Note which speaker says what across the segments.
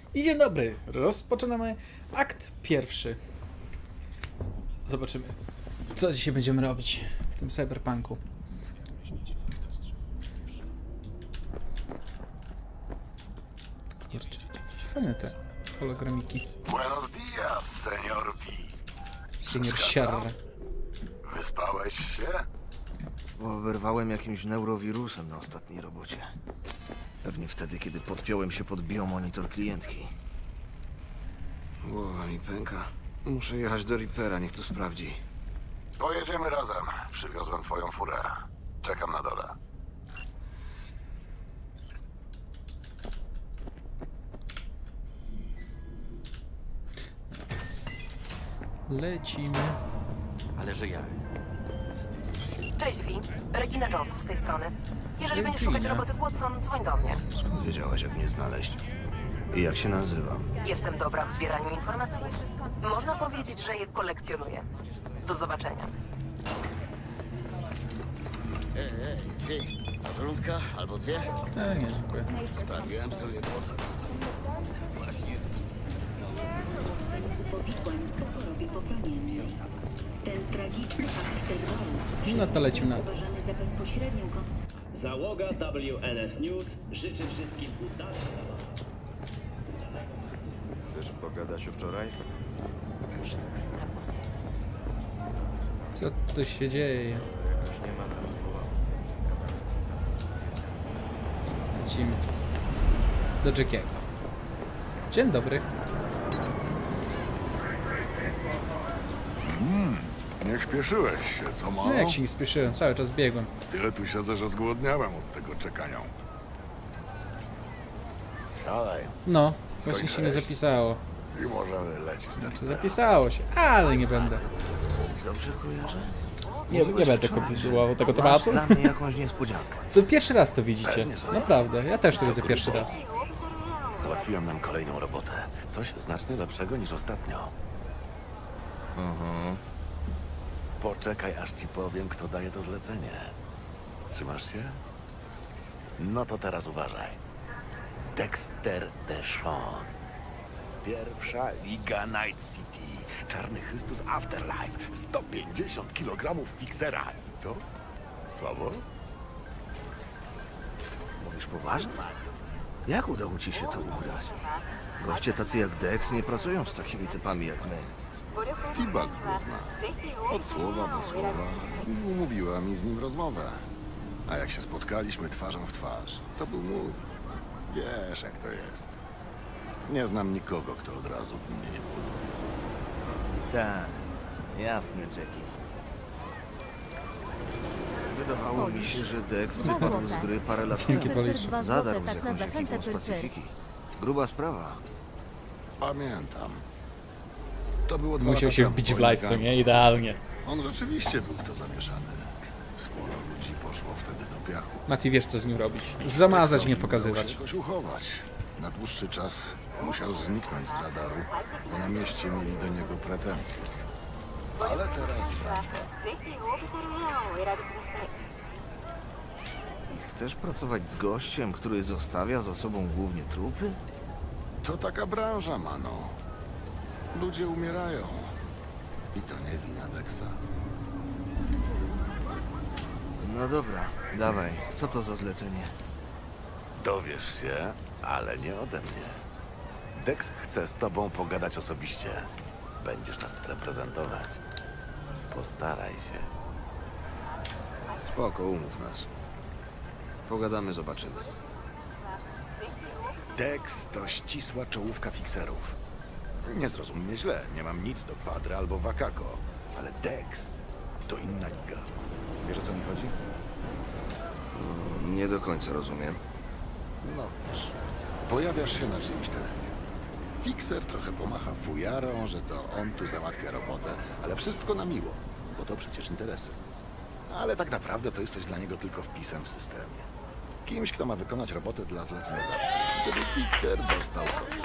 Speaker 1: I dzień dobry, rozpoczynamy akt pierwszy. Zobaczymy, co dzisiaj będziemy robić w tym cyberpunku. Kurczę, fajne te hologramiki.
Speaker 2: Buenos dias, senior V.
Speaker 1: Senior Sierra.
Speaker 2: Wyspałeś się?
Speaker 3: Oberwałem jakimś neurowirusem na ostatniej robocie. Pewnie wtedy, kiedy podpiąłem się pod biomonitor klientki. Głowa mi pęka. Muszę jechać do Reapera, niech to sprawdzi.
Speaker 2: Pojedziemy razem. Przywiozłem twoją furę. Czekam na dole.
Speaker 1: Lecimy.
Speaker 4: Ale że ja.
Speaker 5: Cześć, Vi. Regina Jones z tej strony. Jeżeli będziesz szukać roboty w Watson, dzwoń do mnie.
Speaker 3: Skąd wiedziałaś, jak mnie znaleźć? I jak się nazywam?
Speaker 5: Jestem dobra w zbieraniu informacji. Można powiedzieć, że je kolekcjonuję. Do zobaczenia.
Speaker 4: Hej, a żołądka albo dwie?
Speaker 1: Nie, dziękuję.
Speaker 4: Sprawiłem sobie błota.
Speaker 6: Chorobie poplamiennej. Ten tragiczny akt terroru
Speaker 1: No to lecimy na to.
Speaker 6: uważany za bezpośrednią
Speaker 7: Załoga WNS News życzy wszystkim udanej zabawy.
Speaker 3: Chcesz pogadać o wczoraj?
Speaker 1: Co tu się dzieje? Lecimy do Jackiego. Dzień dobry.
Speaker 2: Nie śpieszyłeś się, co mało?
Speaker 1: No jak się nie spieszyłem, cały czas biegłem.
Speaker 2: Tyle tu siedzę, że zgłodniałem od tego czekania. Siadaj
Speaker 1: No, właśnie się nie
Speaker 2: Skończyłeś?
Speaker 1: zapisało.
Speaker 2: i możemy lecieć do
Speaker 1: Czy
Speaker 2: Reapera.
Speaker 1: zapisało się, ale nie będę.
Speaker 3: Dobrze kojarzę?
Speaker 1: Nie będę kontynuował tego
Speaker 3: Masz
Speaker 1: tematu.
Speaker 3: dla mnie jakąś niespodziankę.
Speaker 1: To pierwszy raz to widzicie. Naprawdę, ja też to widzę pierwszy raz.
Speaker 2: Załatwiłem nam kolejną robotę. Coś znacznie lepszego niż ostatnio. Poczekaj, aż ci powiem, kto daje to zlecenie. Trzymasz się? No to teraz uważaj. Dexter Deshawn. Pierwsza Liga Night City. Czarny Chrystus Afterlife. 150 kg fiksera. I co? Słabo?
Speaker 3: Mówisz poważnie? Jak udało ci się to ugrać? Goście tacy jak Dex nie pracują z takimi typami jak my.
Speaker 2: T-Bug go zna. Od słowa do słowa. Umówiła mi z nim rozmowę. A jak się spotkaliśmy twarzą w twarz, to był mój. Wiesz, jak to jest. Nie znam nikogo, kto od razu by mnie nie polubił.
Speaker 3: Tak, jasne, Jackie. Wydawało mi się, że Dex wypadł z gry parę lat
Speaker 1: Dzięki,
Speaker 3: temu.
Speaker 1: Polisz.
Speaker 3: Zadarł z
Speaker 6: tak na
Speaker 3: jakąś
Speaker 6: zachętę
Speaker 3: ekipą z
Speaker 6: tylko.
Speaker 3: Pacyfiki. Gruba sprawa.
Speaker 2: Pamiętam. To było 2
Speaker 1: Musiał
Speaker 2: lata
Speaker 1: się
Speaker 2: temu,
Speaker 1: wbić w
Speaker 2: po
Speaker 1: live, co
Speaker 2: Nikangu.
Speaker 1: nie? Idealnie.
Speaker 2: On rzeczywiście był w to zamieszany. Sporo ludzi poszło wtedy do piachu.
Speaker 1: Mati, wiesz co z nim robić. Zamazać, nie
Speaker 2: Dexowi
Speaker 1: pokazywać.
Speaker 2: udało się jakoś uchować. Na dłuższy czas musiał zniknąć z radaru, bo na mieście mieli do niego pretensje. Ale teraz wraca.
Speaker 3: Chcesz pracować z gościem, który zostawia za sobą głównie trupy?
Speaker 2: To taka branża, mano. Ludzie umierają. I to nie wina Dexa.
Speaker 3: No dobra, dawaj. Co to za zlecenie?
Speaker 2: Dowiesz się, ale nie ode mnie. Dex chce z tobą pogadać osobiście. Będziesz nas reprezentować. Postaraj się.
Speaker 3: Spoko, umów nas. Pogadamy, zobaczymy.
Speaker 2: Dex to ścisła czołówka fikserów. Nie zrozum mnie źle, nie mam nic do Padre albo Wakako, ale Dex to inna liga. Wiesz, o co mi chodzi?
Speaker 3: Nie do końca rozumiem.
Speaker 2: No wiesz, pojawiasz się na czyimś terenie. Fikser trochę pomacha fujarą, że to on tu załatwia robotę, ale wszystko na miło, bo to przecież interesy. Ale tak naprawdę to jesteś dla niego tylko wpisem w systemie. Kimś, kto ma wykonać robotę dla zleceniodawcy, żeby fikser dostał koc.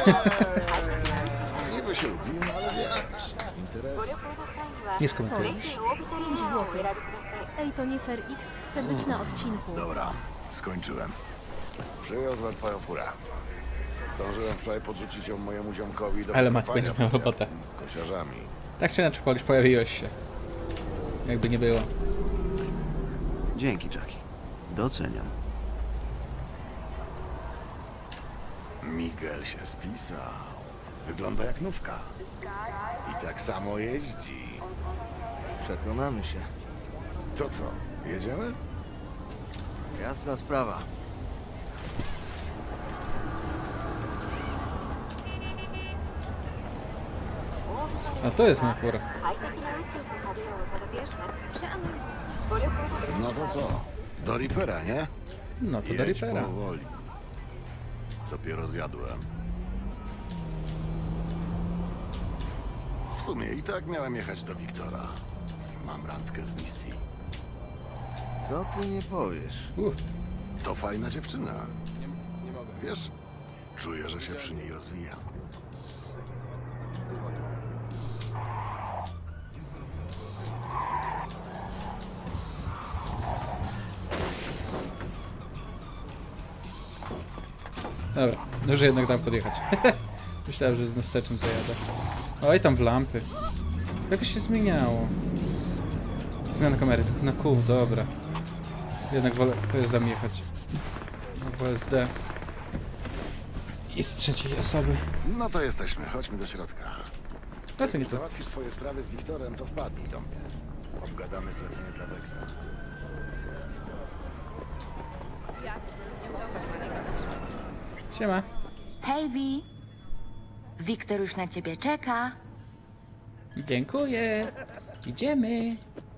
Speaker 2: Niby się lubimy, ale wiesz, interesy.
Speaker 1: Nie skomentuję.
Speaker 6: 5 złotych. Ej, to nie Fair X chce być na odcinku.
Speaker 2: Dobra, skończyłem. Przywiozłem twoją furę. Zdążyłem wczoraj podrzucić ją mojemu ziomkowi do
Speaker 1: Ale Matt
Speaker 2: wykopania
Speaker 1: będzie miał
Speaker 2: po
Speaker 1: robotę.
Speaker 2: akcji z kosiarzami.
Speaker 1: Tak czy inaczej, Polish, pojawiłeś się. Jakby nie było.
Speaker 3: Dzięki, Jackie. Doceniam.
Speaker 2: Miguel się spisał. Wygląda jak nówka. I tak samo jeździ.
Speaker 3: Przekonamy się.
Speaker 2: To co, jedziemy?
Speaker 3: Jasna sprawa.
Speaker 1: A to jest mój fur.
Speaker 2: No to co? Do Reapera, nie?
Speaker 1: No to do
Speaker 2: Jedź
Speaker 1: Reapera.
Speaker 2: powoli. Dopiero zjadłem. W sumie i tak miałem jechać do Wiktora. Mam randkę z Misty.
Speaker 3: Co ty nie powiesz?
Speaker 2: To fajna dziewczyna. Wiesz, czuję, że się przy niej rozwijam.
Speaker 1: Dobra, może jednak tam podjechać. Myślałem, że znów seczem zajadę. Oj, tam w lampy. Jakoś się zmieniało. Zmiana kamery, tylko na kół, dobra. Jednak wolę pojazdami jechać. Na WSD. I z trzeciej osoby.
Speaker 2: No to jesteśmy, chodźmy do środka.
Speaker 1: No to nie
Speaker 2: Jak
Speaker 1: to.
Speaker 2: załatwisz swoje sprawy z Wiktorem, to wpadnij do mnie. Obgadamy zlecenie dla Dexa.
Speaker 1: Siema.
Speaker 8: Hej, Wi. Wiktor już na ciebie czeka.
Speaker 1: Dziękuję. Idziemy.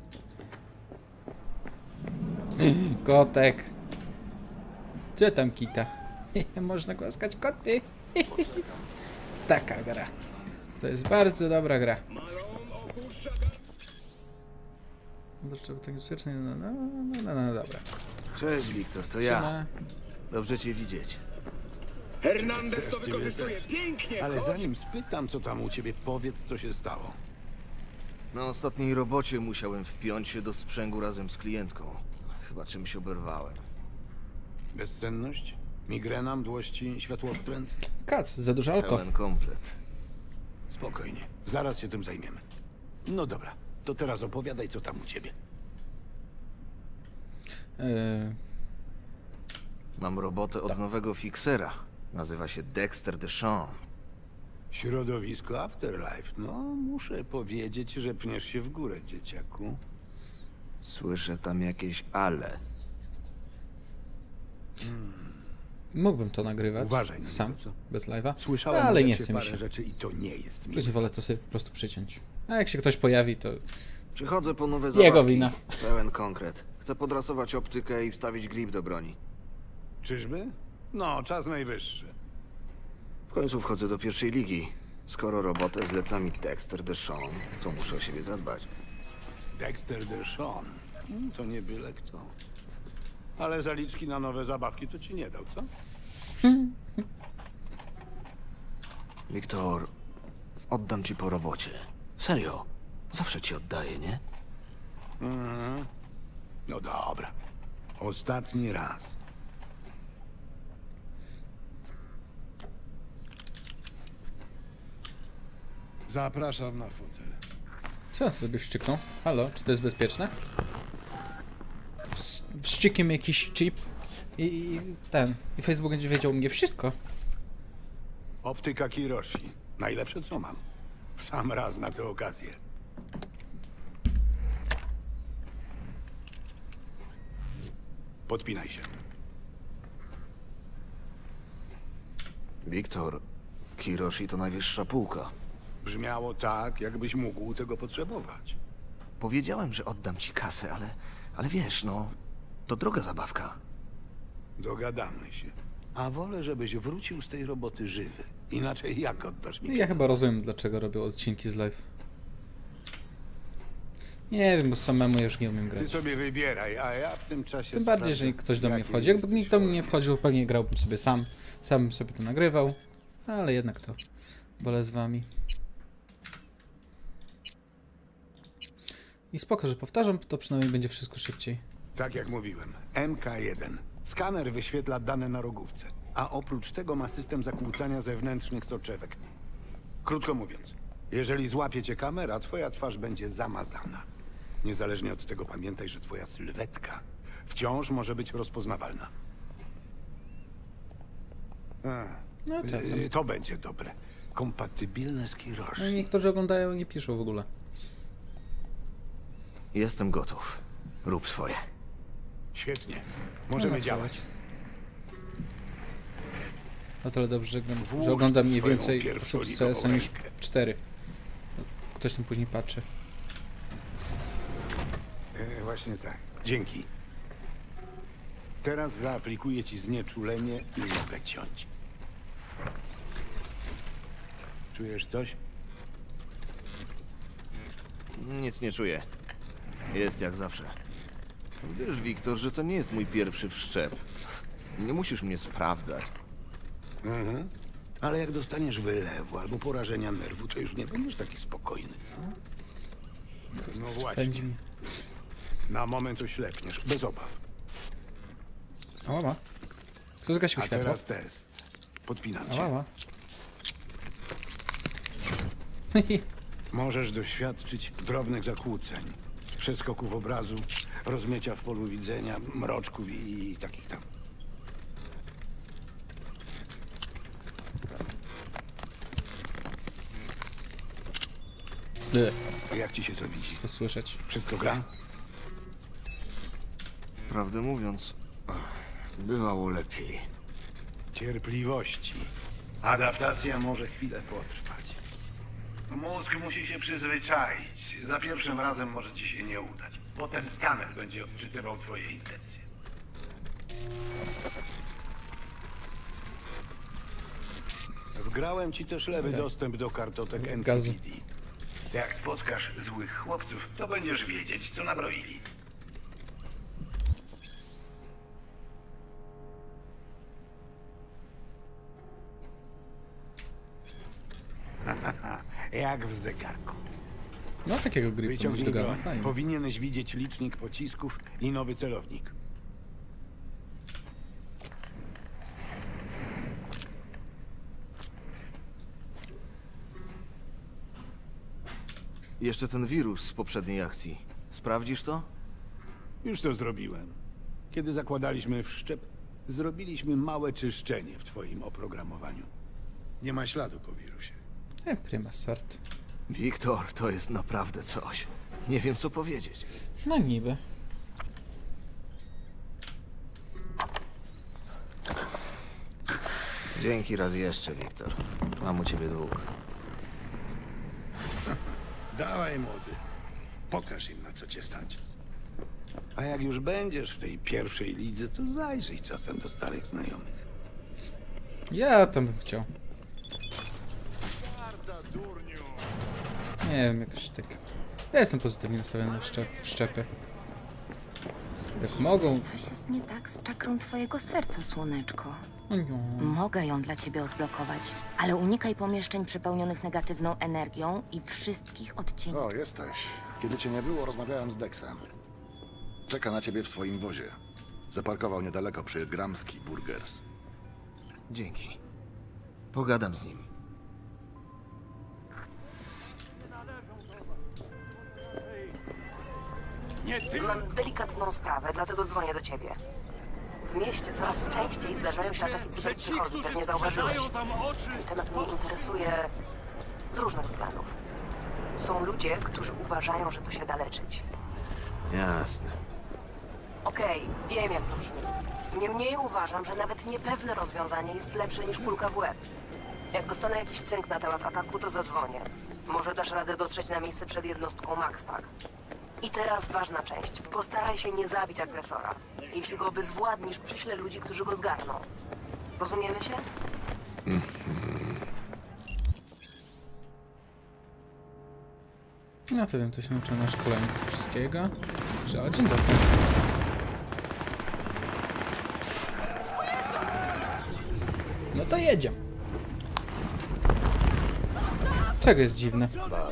Speaker 1: Kotek. Co tam kita? Można głaskać koty. Taka gra. To jest bardzo dobra gra. Dlaczego tak grzecznie? No, dobra.
Speaker 3: Cześć, Wiktor, to ja.
Speaker 1: Siema.
Speaker 3: Dobrze cię widzieć.
Speaker 7: Hernandez to wykorzystuje pięknie.
Speaker 9: Ale zanim spytam, co tam u ciebie, powiedz, co się stało.
Speaker 3: Na ostatniej robocie musiałem wpiąć się do sprzęgu razem z klientką. Chyba czymś oberwałem.
Speaker 9: Bezsenność? Migrena, mdłości, światłowstręt?
Speaker 1: Kac, za dużo alko.
Speaker 3: Pełen komplet.
Speaker 9: Spokojnie, zaraz się tym zajmiemy. No dobra, to teraz opowiadaj, co tam u ciebie.
Speaker 3: Mam robotę od nowego fiksera. Nazywa się Dexter Deshawn.
Speaker 9: Środowisko Afterlife. No, muszę powiedzieć, że pniesz się w górę, dzieciaku.
Speaker 3: Słyszę tam jakieś ale.
Speaker 1: Mógłbym to nagrywać
Speaker 9: Uważaj na
Speaker 1: sam,
Speaker 9: niego, co?
Speaker 1: bez live'a,
Speaker 9: Słyszałem
Speaker 1: ale
Speaker 9: o
Speaker 1: nie
Speaker 9: Lexie
Speaker 1: chce mi
Speaker 9: parę
Speaker 1: się.
Speaker 9: rzeczy i to nie jest miłe.
Speaker 1: Później wolę to sobie po prostu przyciąć. A jak się ktoś pojawi, to
Speaker 3: Przychodzę po nowe
Speaker 1: Jego
Speaker 3: zabawki.
Speaker 1: wina.
Speaker 3: Pełen konkret. Chcę podrasować optykę i wstawić grip do broni.
Speaker 9: Czyżby? No, czas najwyższy.
Speaker 3: W końcu wchodzę do pierwszej ligi. Skoro robotę zleca mi Dexter Deshawn, to muszę o siebie zadbać.
Speaker 9: Dexter Deshawn. To nie byle kto. Ale zaliczki na nowe zabawki to ci nie dał, co?
Speaker 3: Wiktor, oddam ci po robocie. Serio. Zawsze ci oddaję, nie?
Speaker 9: No dobra. Ostatni raz. Zapraszam na fotel.
Speaker 1: co sobie wszczyknął? Halo, czy to jest bezpieczne? Wszczykiem jakiś chip i Facebook będzie wiedział u mnie wszystko.
Speaker 9: Optyka Kiroshi. Najlepsze co mam. W sam raz na tę okazję. Podpinaj się.
Speaker 3: Wiktor, Kiroshi to najwyższa półka.
Speaker 9: Brzmiało tak, jakbyś mógł tego potrzebować.
Speaker 3: Powiedziałem, że oddam ci kasę, ale wiesz, no, to droga zabawka.
Speaker 9: Dogadamy się. A wolę, żebyś wrócił z tej roboty żywy. Inaczej jak oddasz mi?
Speaker 1: Ja chyba rozumiem, dlaczego robią odcinki z live. Nie wiem, bo samemu już nie umiem
Speaker 9: Ty
Speaker 1: grać.
Speaker 9: sobie wybieraj, a ja w tym czasie
Speaker 1: Tym bardziej,
Speaker 9: sprawdzę,
Speaker 1: że ktoś do mnie
Speaker 9: jaki
Speaker 1: wchodzi. Jakby
Speaker 9: jesteś
Speaker 1: nikt do mnie nie
Speaker 9: chory.
Speaker 1: wchodził, pewnie grałbym sobie sam. Sam bym sobie to nagrywał. Ale jednak to wolę z wami. I spoko, że powtarzam, to przynajmniej będzie wszystko szybciej.
Speaker 9: Tak jak mówiłem, MK1. Skaner wyświetla dane na rogówce. a oprócz tego ma system zakłócania zewnętrznych soczewek. Krótko mówiąc, jeżeli złapie cię kamera, twoja twarz będzie zamazana. Niezależnie od tego pamiętaj, że twoja sylwetka wciąż może być rozpoznawalna.
Speaker 1: No czasem.
Speaker 9: To będzie dobre. Kompatybilne z
Speaker 1: No i
Speaker 9: Kiroshi.
Speaker 1: niektórzy oglądają i nie piszą w ogóle.
Speaker 3: Jestem gotów. Rób swoje.
Speaker 9: Świetnie. Możemy
Speaker 1: No,
Speaker 9: działać.
Speaker 1: zaraz. O tyle dobrze, że
Speaker 9: Włóż
Speaker 1: ogląda mniej
Speaker 9: swoją
Speaker 1: więcej
Speaker 9: pierwszą
Speaker 1: osób z
Speaker 9: ligową
Speaker 1: CS-em niż
Speaker 9: rękę.
Speaker 1: 4. Ktoś tam później patrzy.
Speaker 9: Właśnie tak. Dzięki. Teraz zaaplikuję ci znieczulenie i mogę ciąć. Czujesz coś?
Speaker 3: Nic nie czuję. Jest jak zawsze. Wiesz, Wiktor, że to nie jest mój pierwszy wszczep. Nie musisz mnie sprawdzać.
Speaker 9: Ale jak dostaniesz wylewu albo porażenia nerwu, to już nie będziesz taki spokojny, co? No właśnie.
Speaker 1: Spędzi mi.
Speaker 9: Na moment oślepniesz, bez obaw.
Speaker 1: Ała. Kto zgasił
Speaker 9: A
Speaker 1: światło?
Speaker 9: teraz test. Podpinam cię.
Speaker 1: Ała.
Speaker 9: Możesz doświadczyć drobnych zakłóceń, przeskoków obrazu, rozmycia w polu widzenia, mroczków i takich tam. Jak ci się to widzi?
Speaker 1: Wszystko słyszeć.
Speaker 9: Wszystko gra?
Speaker 3: Prawdę mówiąc, bywało lepiej.
Speaker 9: Cierpliwości. Adaptacja może chwilę potrwać. Mózg musi się przyzwyczaić. Za pierwszym razem może ci się nie udać. Potem skaner będzie odczytywał twoje intencje. Wgrałem ci też lewy dostęp do kartotek
Speaker 1: Gazu.
Speaker 9: NCPD. Jak spotkasz złych chłopców, to będziesz wiedzieć, co nabroili. Jak w zegarku.
Speaker 1: No takiego gry ponoć
Speaker 9: Wyciągnij
Speaker 1: dogada.
Speaker 9: broń.
Speaker 1: Fajnie.
Speaker 9: Powinieneś widzieć licznik pocisków i nowy celownik.
Speaker 3: Jeszcze ten wirus z poprzedniej akcji. Sprawdzisz to?
Speaker 9: Już to zrobiłem. Kiedy zakładaliśmy wszczep, zrobiliśmy małe czyszczenie w twoim oprogramowaniu. Nie ma śladu po wirusie.
Speaker 1: Prima sort.
Speaker 3: Wiktor, to jest naprawdę coś. Nie wiem, co powiedzieć.
Speaker 1: No niby.
Speaker 3: Dzięki raz jeszcze, Wiktor. Mam u ciebie dług.
Speaker 9: Dawaj, młody. Pokaż im, na co cię stać. A jak już będziesz w tej pierwszej lidze, to zajrzyj czasem do starych znajomych.
Speaker 1: Ja tam bym chciał. Nie wiem, jakoś tak. Ja jestem pozytywnie nastawiony na szczepy. Jak mogą.
Speaker 8: Coś jest nie tak z czakrą twojego serca, słoneczko.
Speaker 1: O nie.
Speaker 8: Mogę ją dla ciebie odblokować, ale unikaj pomieszczeń przepełnionych negatywną energią i wszystkich odcieni.
Speaker 10: O, jesteś. Kiedy cię nie było, rozmawiałem z Dexem. Czeka na ciebie w swoim wozie. Zaparkował niedaleko przy Gramski Burgers.
Speaker 3: Dzięki. Pogadam z nim.
Speaker 5: Mam delikatną sprawę, dlatego dzwonię do ciebie. W mieście coraz częściej zdarzają się ataki cyberpsychozy, pewnie zauważyłeś. Ten temat mnie interesuje z różnych względów. Są ludzie, którzy uważają, że to się da leczyć.
Speaker 3: Jasne.
Speaker 5: Okej, wiem jak to brzmi. Niemniej uważam, że nawet niepewne rozwiązanie jest lepsze niż kulka w łeb. Jak dostanę jakiś cynk na temat ataku, to zadzwonię. Może dasz radę dotrzeć na miejsce przed jednostką Max, tak? I teraz ważna część. Postaraj się nie zabić agresora. Jeśli go obezwładnisz, przyślę ludzi, którzy go zgarną. Rozumiemy się?
Speaker 1: No to wiem, to się nauczyłem na szkoleniu tego wszystkiego. Że o, dzień dobry. No to jedziemy. Czego jest dziwne?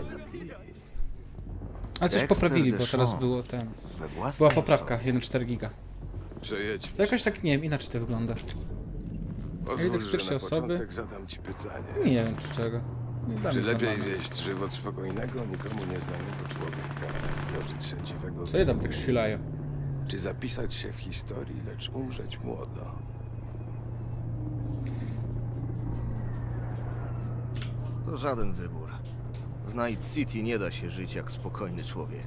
Speaker 1: Ale coś
Speaker 3: Dexter
Speaker 1: poprawili, bo teraz
Speaker 3: Deshawn.
Speaker 1: było ten.
Speaker 3: We własnej
Speaker 1: Była poprawka,
Speaker 3: osobie.
Speaker 1: 1,4 giga.
Speaker 10: Przejedźmy.
Speaker 1: To jakoś tak, nie wiem, inaczej to wygląda. Pozwól, z pierwszej osoby.
Speaker 11: Zadam ci pytanie.
Speaker 1: Nie wiem z czego. Nie dam
Speaker 11: Czy
Speaker 1: mi
Speaker 11: lepiej
Speaker 1: zabawy.
Speaker 11: wieść żywot spokojnego, nikomu nieznanego człowieka, dożyć sędziwego
Speaker 1: Co je tam
Speaker 11: wieku?
Speaker 1: tak strzelają?
Speaker 11: Czy zapisać się w historii, lecz umrzeć młodo?
Speaker 3: To żaden wybór. W Night City nie da się żyć jak spokojny człowiek.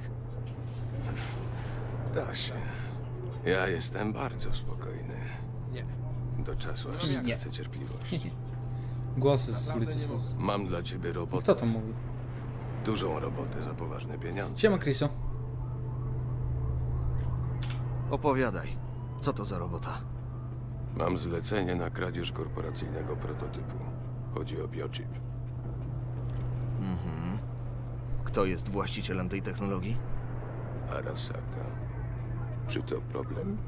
Speaker 11: Da się. Ja jestem bardzo spokojny.
Speaker 3: Nie.
Speaker 11: Do czasu, aż
Speaker 1: Nie.
Speaker 11: stracę cierpliwość.
Speaker 1: Głosy z ulicy są.
Speaker 11: Mam dla ciebie robotę.
Speaker 1: Kto to mówi?
Speaker 11: Dużą robotę za poważne pieniądze.
Speaker 1: Siema, Chriso.
Speaker 3: Opowiadaj. Co to za robota?
Speaker 11: Mam zlecenie na kradzież korporacyjnego prototypu. Chodzi o biochip.
Speaker 3: Mhm. Kto jest właścicielem tej technologii?
Speaker 11: Arasaka. Czy to problem?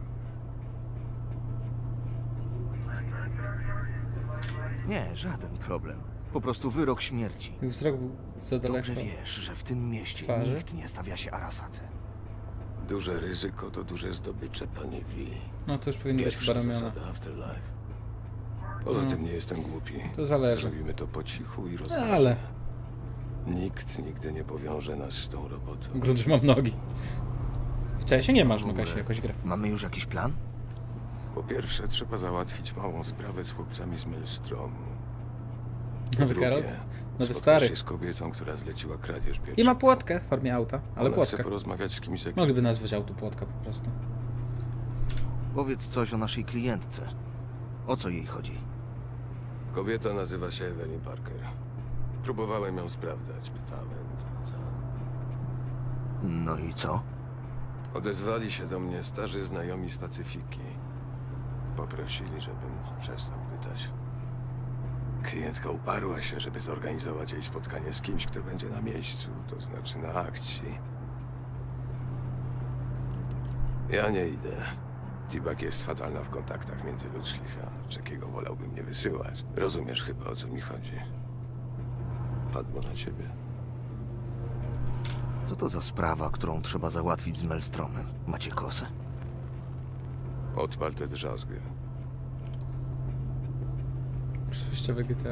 Speaker 3: Nie, żaden problem. Po prostu wyrok śmierci.
Speaker 1: Ich wzrok był za daleko.
Speaker 3: Dobrze wiesz, że w tym mieście
Speaker 1: Twarzy?
Speaker 3: nikt nie stawia się Arasace.
Speaker 11: Duże ryzyko to duże zdobycze, panie V.
Speaker 1: No to już powinny być chyba
Speaker 11: Pierwsza
Speaker 1: ramiona.
Speaker 11: zasada Afterlife. Poza tym nie jestem głupi.
Speaker 1: To zależy.
Speaker 11: Zrobimy to po cichu i
Speaker 1: No,
Speaker 11: rozważnie.
Speaker 1: ale
Speaker 11: Nikt nigdy nie powiąże nas z tą robotą.
Speaker 1: grunt, że mam nogi. W CS nie masz,
Speaker 3: W
Speaker 1: no
Speaker 3: ogóle
Speaker 1: Kasia, jakoś gra.
Speaker 3: Mamy już jakiś plan?
Speaker 11: Po pierwsze, trzeba załatwić małą sprawę z chłopcami z Maelstromu. Po
Speaker 1: Nowy
Speaker 11: drugie,
Speaker 1: Geralt? Nowy
Speaker 11: spotkasz
Speaker 1: stary.
Speaker 11: się z kobietą, która zleciła kradzież
Speaker 1: I ma
Speaker 11: biochipu.
Speaker 1: płotkę w formie auta, ale
Speaker 11: Ona chce
Speaker 1: płotka.
Speaker 11: porozmawiać z kimś z ekipy.
Speaker 1: Mogliby nazwać auto płotka po prostu.
Speaker 3: Powiedz coś o naszej klientce. O co jej chodzi?
Speaker 11: Kobieta nazywa się Evelyn Parker. Próbowałem ją sprawdzać, pytałem.
Speaker 3: No i co?
Speaker 11: Odezwali się do mnie starzy znajomi z Pacyfiki. Poprosili, żebym przestał pytać. Klientka uparła się, żeby zorganizować jej spotkanie z kimś, kto będzie na miejscu, to znaczy na akcji. Ja nie idę. Tibak jest fatalna w kontaktach międzyludzkich, a czekiego wolałbym nie wysyłać. Rozumiesz chyba, o co mi chodzi. Padło na ciebie.
Speaker 3: Co to za sprawa, którą trzeba załatwić z Maelstromem? Macie kosę?
Speaker 11: Odpal tę drzazgę.
Speaker 1: Przejściowe GTA.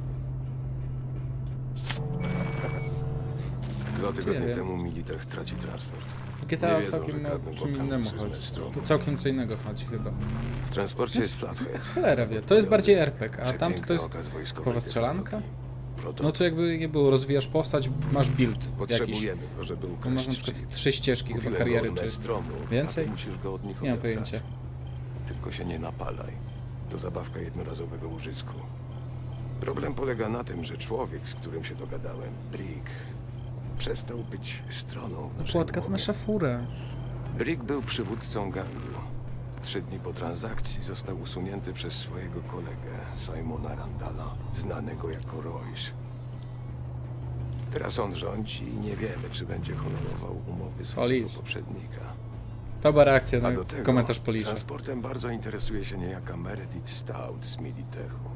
Speaker 11: 2 tygodnie
Speaker 1: wiem.
Speaker 11: temu Militech traci transport.
Speaker 1: GTA
Speaker 11: Nie wiedzą,
Speaker 1: całkiem
Speaker 11: że
Speaker 1: o
Speaker 11: kradną
Speaker 1: czym
Speaker 11: go
Speaker 1: innemu
Speaker 11: kampusy z
Speaker 1: chodzi.
Speaker 11: Maelstromu.
Speaker 1: To całkiem co innego chodzi chyba.
Speaker 11: W transporcie jest Flathead.
Speaker 1: Cholera wie, to jest bardziej RPG, a tamto
Speaker 11: Przepiękny
Speaker 1: to jest
Speaker 11: okaz wojskowej
Speaker 1: typowa strzelanka?
Speaker 11: technologii. Proto-
Speaker 1: No to jakby nie było, rozwijasz postać, masz build jakiś.
Speaker 11: Potrzebujemy go, żeby
Speaker 1: To
Speaker 11: ukraść
Speaker 1: masz na przykład
Speaker 11: chip.
Speaker 1: 3 ścieżki chyba
Speaker 11: Kupiłem
Speaker 1: kariery,
Speaker 11: go od
Speaker 1: czy
Speaker 11: Maelstromu,
Speaker 1: więcej?
Speaker 11: a ty musisz go od nich
Speaker 1: Nie mam
Speaker 11: odebrać.
Speaker 1: pojęcia.
Speaker 11: Tylko się nie napalaj. To zabawka jednorazowego użytku. Problem polega na tym, że człowiek, z którym się dogadałem, Brick, przestał być stroną w naszej
Speaker 1: Płotka to
Speaker 11: umowie.
Speaker 1: nasza fura.
Speaker 11: Brick był przywódcą gangu. 3 dni po transakcji został usunięty przez swojego kolegę, Simona Randalla, znanego jako Royce. Teraz on rządzi i nie wiemy, czy będzie honorował umowy swojego
Speaker 1: Polisz.
Speaker 11: poprzednika.
Speaker 1: To była reakcja
Speaker 11: A
Speaker 1: na
Speaker 11: do tego
Speaker 1: komentarz Polisza.
Speaker 11: transportem bardzo interesuje się niejaka Meredith Stout z Militechu.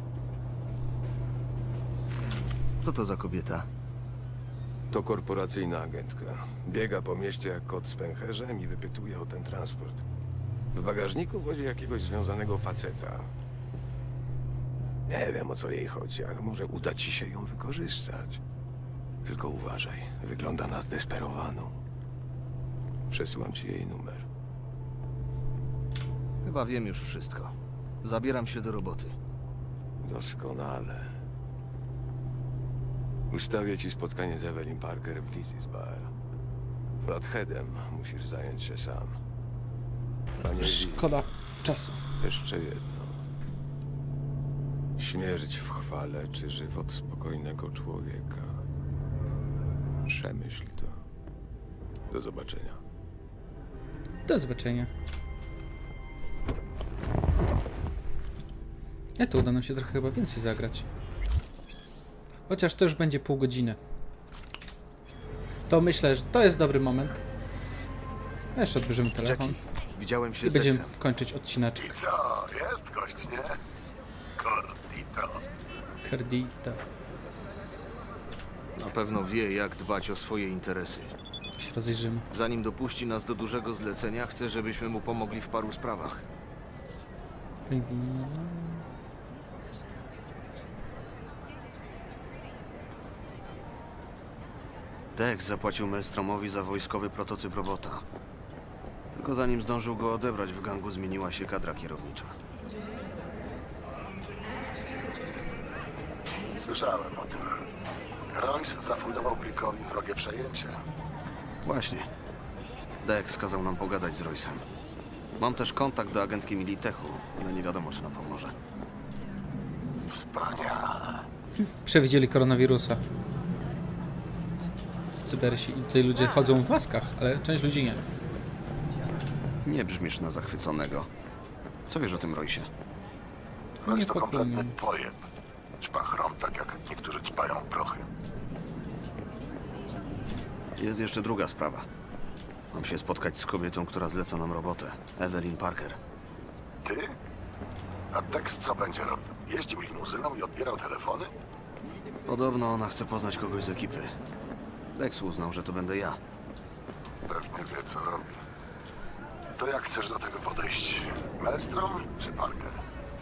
Speaker 3: Co to za kobieta?
Speaker 11: To korporacyjna agentka. Biega po mieście jak kot z pęcherzem i wypytuje o ten transport. W bagażniku wozi jakiegoś związanego faceta. Nie wiem, o co jej chodzi, ale może uda ci się ją wykorzystać. Tylko uważaj, wygląda na zdesperowaną. Przesyłam ci jej numer.
Speaker 3: Chyba wiem już wszystko. Zabieram się do roboty.
Speaker 11: Doskonale. Ustawię ci spotkanie z Evelyn Parker w Lizzie's Bar. Flatheadem musisz zająć się sam. Panie Lee,
Speaker 1: Szkoda czasu.
Speaker 11: jeszcze jedno. Śmierć w chwale czy żywot spokojnego człowieka. Przemyśl to. Do zobaczenia.
Speaker 1: Do zobaczenia. To uda nam się trochę chyba więcej zagrać. Chociaż to już będzie pół godziny. To myślę, że to jest dobry moment. Jeszcze odbierzemy telefon
Speaker 3: Jackie, widziałem się
Speaker 1: i
Speaker 3: z
Speaker 1: będziemy
Speaker 3: Dexem.
Speaker 1: kończyć odcineczek.
Speaker 2: Co, jest gość, nie? Cordito.
Speaker 1: Cardita.
Speaker 3: Na pewno wie, jak dbać o swoje interesy.
Speaker 1: Się rozejrzymy.
Speaker 3: Zanim dopuści nas do dużego zlecenia, chcę, żebyśmy mu pomogli w paru sprawach. Dex zapłacił Maelstromowi za wojskowy prototyp robota. Tylko zanim zdążył go odebrać, w gangu zmieniła się kadra kierownicza.
Speaker 10: Słyszałem o tym. Royce zafundował Brickowi wrogie przejęcie.
Speaker 3: Właśnie. Dex kazał nam pogadać z Roysem. Mam też kontakt do agentki Militechu, ale nie wiadomo, czy nam pomoże.
Speaker 10: Wspaniale.
Speaker 1: Przewidzieli koronawirusa. Cybersi. I tutaj ludzie chodzą w maskach, ale część ludzi nie.
Speaker 3: Nie brzmisz na zachwyconego. Co wiesz o tym Roysie?
Speaker 10: Royce to
Speaker 1: pochlubnie.
Speaker 10: kompletny pojeb. Ćpa chrom, tak jak niektórzy ćpają prochy.
Speaker 3: Jest jeszcze druga sprawa. Mam się spotkać z kobietą, która zleca nam robotę. Evelyn Parker.
Speaker 10: Ty? A Dex co będzie robił? Jeździł limuzyną i odbierał telefony?
Speaker 3: Podobno ona chce poznać kogoś z ekipy. Dex uznał, że to będę ja.
Speaker 10: Pewnie wie, co robi. To jak chcesz do tego podejść? Maelstrom czy Parker?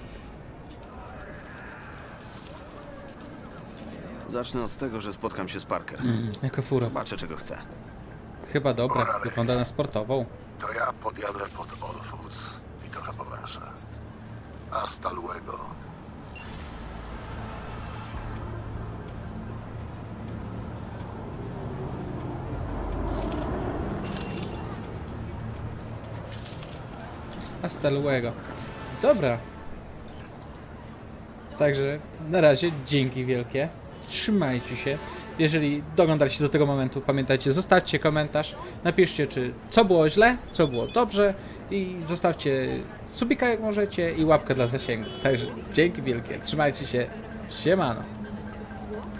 Speaker 3: Zacznę od tego, że spotkam się z Parker.
Speaker 1: Jaka fura.
Speaker 3: Zobaczę, czego chce.
Speaker 1: Chyba dobra. Wygląda na sportową.
Speaker 10: To ja podjadę pod All Foods i trochę powęszę. Hasta luego.
Speaker 1: Hasta luego. Dobra. Także na razie dzięki wielkie. Trzymajcie się. Jeżeli doglądaliście do tego momentu, pamiętajcie, zostawcie komentarz. Napiszcie, czy co było źle, co było dobrze i zostawcie subika jak możecie i łapkę dla zasięgu. Także dzięki wielkie. Trzymajcie się. Siemano.